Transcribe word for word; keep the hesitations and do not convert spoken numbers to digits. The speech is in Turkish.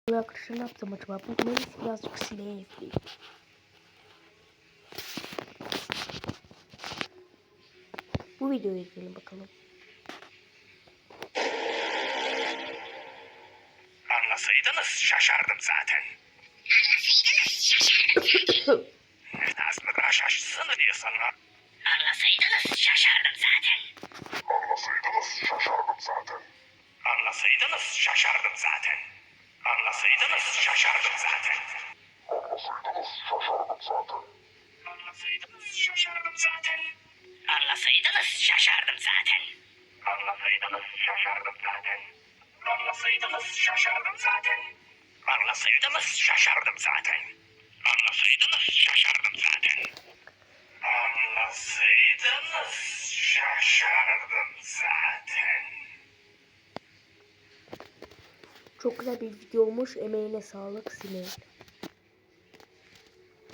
Arkadaşlar ne yaptım acaba? Bu Melis birazcık sineğe izleyeyim. Bu videoyu izleyelim bakalım. Anlasaydınız şaşardım zaten. Anlasaydınız şaşardım. Nazmıra şaşsın diyorsun lan. Anlasaydınız şaşardım zaten. Anlasaydınız şaşardım zaten. Anlasaydınız şaşardım zaten. Anlasaydınız şaşardım zaten. Anlasaydınız şaşardım zaten. Anlasaydınız şaşardım zaten. Anlasaydınız şaşardım zaten. Anlasaydınız şaşardım zaten. Anlasaydınız şaşardım zaten. Anlasaydınız şaşardım zaten. Anlasaydınız şaşardım zaten. Çok güzel bir video olmuş. Emeğine sağlık sineğe.